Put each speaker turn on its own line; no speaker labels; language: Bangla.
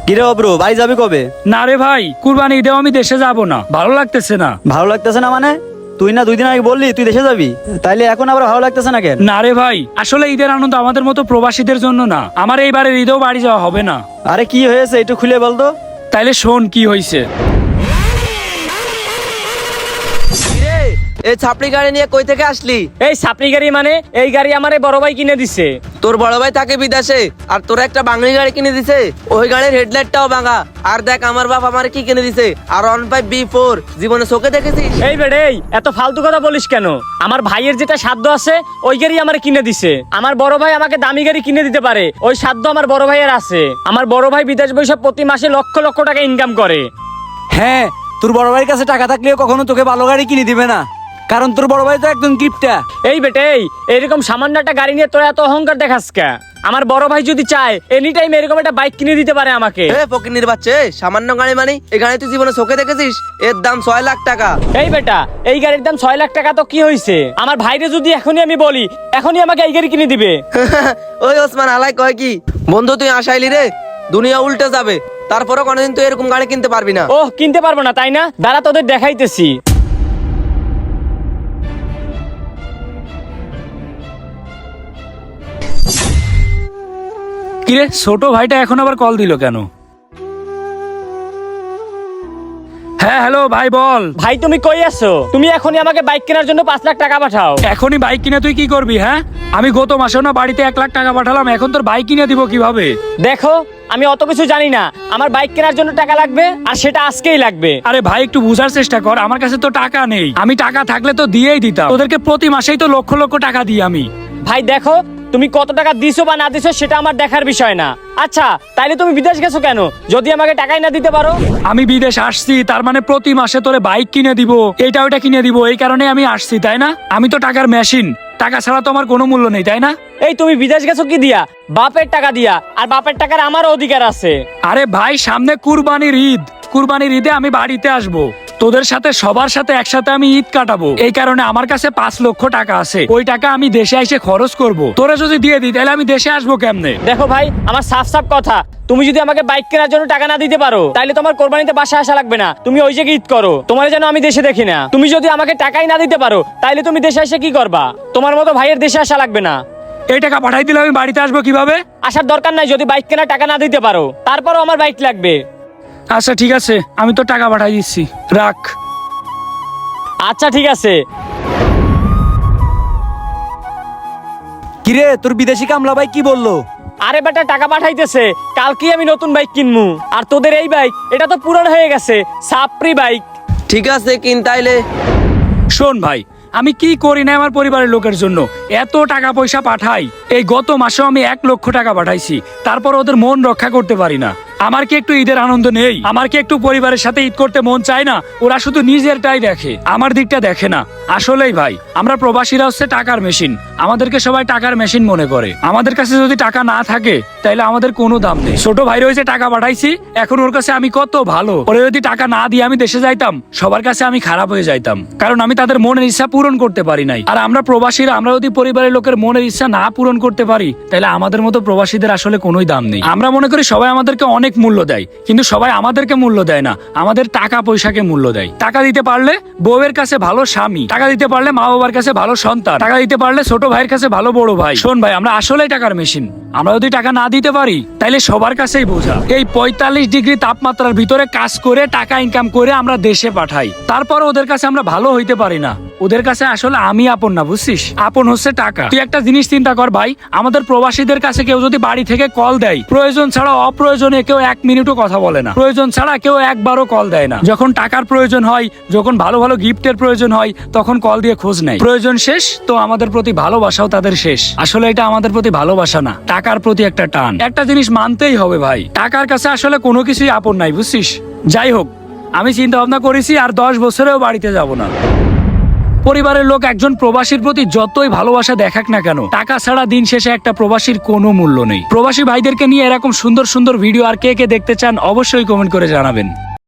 কিরে অব্রু, বাড়ি যাবি কবে?
না রে ভাই, কুরবানি ঈদেও আমি দেশে যাব না, ভালো লাগতেছে না।
ভালো লাগতেছে না মানে? তুই না 2 দিন আগে বললি তুই দেশে যাবি, তাইলে এখন আবার ভালো লাগতেছে না কেন?
না রে ভাই, আসলে ঈদের আনন্দ আমাদের মতো প্রবাসীদের জন্য না। আমার এইবারের ঈদেও বাড়ি যাওয়া হবে না।
আরে কি হয়েছে একটু খুলে বলতো।
তাইলে শোন কি হয়েছে।
এই ছাপড়ি গাড়ি নিয়ে কই থেকে আসলি?
এই সাপড়ি গাড়ি মানে এই গাড়ি আমারে বড় ভাই কিনে দিছে।
তোর বড় ভাই থাকে বিদেশে আর তোর একটা বাঙালি গাড়ি কিনে দিছে। ওই গাড়ির হেডলাইটটাও ভাঙা। আর দেখ আমার বাপ আমারে কি কিনে দিছে, আর 15B4 জীবনে চোখে দেখেছিস?
এই বেড়ে এত ফালতু কথা বলিস কেন? আমার ভাইয়ের যেটা সাধ্য আছে ওই গাড়ি আমারে কিনে দিছে। আমার বড় ভাই আমাকে দামি গাড়ি কিনে দিতে পারে, ওই সাধ্য আমার বড় ভাইয়ের আছে। আমার বড় ভাই বিদেশ বৈশাখ প্রতি মাসে লক্ষ লক্ষ টাকা ইনকাম করে।
হ্যাঁ, তোর বড় ভাইয়ের কাছে টাকা থাকলেও কখনো তোকে ভালো গাড়ি কিনে দিবে না, কারণ তোর বড় ভাই তো একদম কিপটা।
এই বেটে এরকম সামান্য একটা গাড়ি নিয়ে তোরা এত অহংকার দেখাস কে? আমার বড় ভাই যদি চায় এনি টাইম এরকম একটা বাইক কিনে দিতে পারে আমাকে।
এ ফকিন্নির বাচ্চা, সামান্য গাড়ি মানে এই গাড়ি তুই জীবনে চোখে দেখেছিস? এর দাম 6 লাখ টাকা।
এই বেটা, এই গাড়ির দাম 6 লাখ টাকা তো কি হয়েছে? আমার ভাইরে যদি এখনই আমি বলি এখনই আমাকে এই গাড়ি কিনে দিবে।
ওই ওসমান আলাই কয় কি, বন্ধু তুই আসাইলি রে, দুনিয়া উল্টে যাবে, তারপরে কোনোদিন তুই এরকম গাড়ি কিনতে পারবি না।
ওহ, কিনতে পারবো না তাই না? দাঁড়া তোদের দেখাইতেছি।
কিরে ছোট ভাইটা এখন আবার কল দিল কেন? হ্যাঁ হ্যালো ভাই, বল।
ভাই তুমি কই আছো? তুমি এখনই আমাকে বাইক কেনার জন্য 5 লাখ টাকা পাঠাও।
এখনই বাইক কিনে তুই কি করবি? হ্যাঁ, আমি গত মাসেও না বাড়িতে 1 লাখ টাকা পাঠালাম, এখন তোর বাইক কিনে দিব কিভাবে?
দেখো আমি অত কিছু জানি না, আমার বাইক কেনার জন্য টাকা লাগবে আর সেটা আজকেই লাগবে।
আরে ভাই একটু বুঝার চেষ্টা কর, আমার কাছে তো টাকা নেই। আমি টাকা থাকলে তো দিয়েই দিতাম, তোদেরকে প্রতি মাসেই তো লক্ষ লক্ষ টাকা দিই আমি।
ভাই দেখো, তুমি কত টাকা দিছো বা না দিছো সেটা আমার দেখার বিষয় না। আচ্ছা তাইলে তুমি বিদেশ গেছো কেন যদি আমাকে টাকাই না দিতে পারো?
আমি বিদেশ আসছি, তার মানে প্রতি মাসে তোরে বাইক কিনে দিব, এটা ওটা কিনে দিব, এই কারণে আমি আসছি তাই না? আমি তো টাকার মেশিন, টাকা ছাড়া তো আমার কোনো মূল্য নেই তাই না?
এই তুমি বিদেশ গেছো কি দিয়া? বাপের টাকা দিয়া, আর বাপের টাকার আমারও অধিকার আছে।
আরে ভাই সামনে কুরবানির ঈদ, কুরবানির ঈদে আমি বাড়িতে আসব, তোদের সাথে সবার সাথে একসাথে আমি ঈদ কাটাবো, এই কারণে আমার কাছে 5 লক্ষ টাকা আছে। ওই টাকা আমি দেশে এসে খরচ করব। তোরা যদি দিয়ে দিই তাহলে আমি দেশে আসবো কেমনে?
দেখো ভাই, আমার সাফ সাফ কথা, তুমি যদি আমাকে বাইক কেনার জন্য টাকা না দিতে পারো তাহলে তোমার কোরবানিতে বাসা আসা লাগবে না, তুমি ওই জায়গায় ঈদ করো, তোমার যেন আমি দেশে দেখি না। তুমি যদি আমাকে টাকাই না দিতে পারো তাহলে তুমি দেশে এসে কি করবা? তোমার মতো ভাইয়ের দেশে আসা লাগবে না।
এই টাকা পাঠাই দিলে আমি বাড়িতে আসবো কিভাবে?
আসার দরকার নাই যদি বাইক কেনার টাকা না দিতে পারো, তারপরও আমার বাইক লাগবে।
আচ্ছা ঠিক আছে, আমি তো টাকা পাঠাই দিচ্ছি, রাখ।
আচ্ছা ঠিক আছে।
কিরে তোর বিদেশি কামলা ভাই কি বললো?
আরে বেটা টাকা পাঠাইতেছে, কালকেই আমি নতুন বাইক কিনবো। আর তোদের এই বাইক এটা তো পুরান হয়ে গেছে, সাপ্রি বাইক।
ঠিক আছে কিন তাইলে।
শোন ভাই, আমি কি করি না আমার পরিবারের লোকের জন্য, এত টাকা পয়সা পাঠাই। এই গত মাসেও আমি 1 লক্ষ টাকা পাঠাইছি, তারপর ওদের মন রক্ষা করতে পারি না। আমার কি একটু ঈদের আনন্দ নেই? আমার কি একটু পরিবারের সাথে ঈদ করতে মন চায় না? ওরা শুধু নিজেরটাই দেখে, আমার দিকটা দেখে না। আসলেই ভাই, আমরা প্রবাসীরা হচ্ছে টাকার মেশিন, আমাদেরকে সবাই টাকার মেশিন মনে করে। আমাদের কাছে যদি টাকা না থাকে তাহলে আমাদের কোনো দাম নেই। ছোট ভাই রয়েছে টাকা পাঠাইছি, এখন ওর কাছে আমি কত ভালো। ওরে যদি টাকা না দিয়ে আমি দেশে যাইতাম, সবার কাছে আমি খারাপ হয়ে যাইতাম, কারণ আমি তাদের মনের ইচ্ছা পূরণ করতে পারি নাই। আর আমরা প্রবাসীরা, আমরা যদি পরিবারের লোকের মনের ইচ্ছা না পূরণ করতে পারি তাহলে আমাদের মতো প্রবাসীদের আসলে কোনোই দাম নেই। আমরা মনে করি সবাই আমাদেরকে অনেক মূল্য দেয়, কিন্তু সবাই আমাদেরকে মূল্য দেয় না, আমাদের টাকা পয়সাকে মূল্য দেয়। টাকা দিতে পারলে বউয়ের কাছে ভালো স্বামী, টাকা দিতে পারলে মা বাবার কাছে ভালো সন্তান, টাকা দিতে পারলে ছোট ভাইয়ের কাছে ভালো বড় ভাই। শোন ভাই, আমরা আসলেই টাকার মেশিন। আমরা যদি টাকা না দিতে পারি তাইলে সবার কাছেই বোঝা। এই 45 ডিগ্রি তাপমাত্রার ভিতরে কাজ করে টাকা ইনকাম করে আমরা দেশে পাঠাই, তারপর ওদের কাছে আমরা ভালো হইতে পারি না। ওদের কাছে আসলে আমি আপন না, বুঝছিস? আপন হচ্ছে টাকা। তুই একটা জিনিস চিন্তা কর ভাই, আমাদের প্রবাসীদের কাছে কেউ যদি বাড়ি থেকে কল দেয়, প্রয়োজন ছাড়া অপ্রয়োজনে কেউ 1 মিনিটও কথা বলে না, প্রয়োজন ছাড়া কেউ একবারও কল দেয় না। যখন টাকার প্রয়োজন হয়, যখন ভালো ভালো গিফটের প্রয়োজন হয়, তখন কল দিয়ে খোঁজ নেয়। প্রয়োজন শেষ তো আমাদের প্রতি ভালোবাসাও তাদের শেষ। আসলে এটা আমাদের প্রতি ভালোবাসা না, টাকার প্রতি একটা টান। একটা জিনিস মানতেই হবে ভাই, টাকার কাছে আসলে কোনো কিছুই আপন নাই, বুঝছিস? যাই হোক, আমি চিন্তা ভাবনা করেছি আর 10 বছরেও বাড়িতে যাব না। পরিবারের লোক একজন প্রবাসীর প্রতি যতই ভালোবাসা দেখাক না কেন, টাকা ছাড়া দিন শেষে একটা প্রবাসীর কোনো মূল্য নেই। প্রবাসী ভাইদেরকে নিয়ে এরকম সুন্দর সুন্দর ভিডিও আর কে কে দেখতে চান অবশ্যই কমেন্ট করে জানাবেন।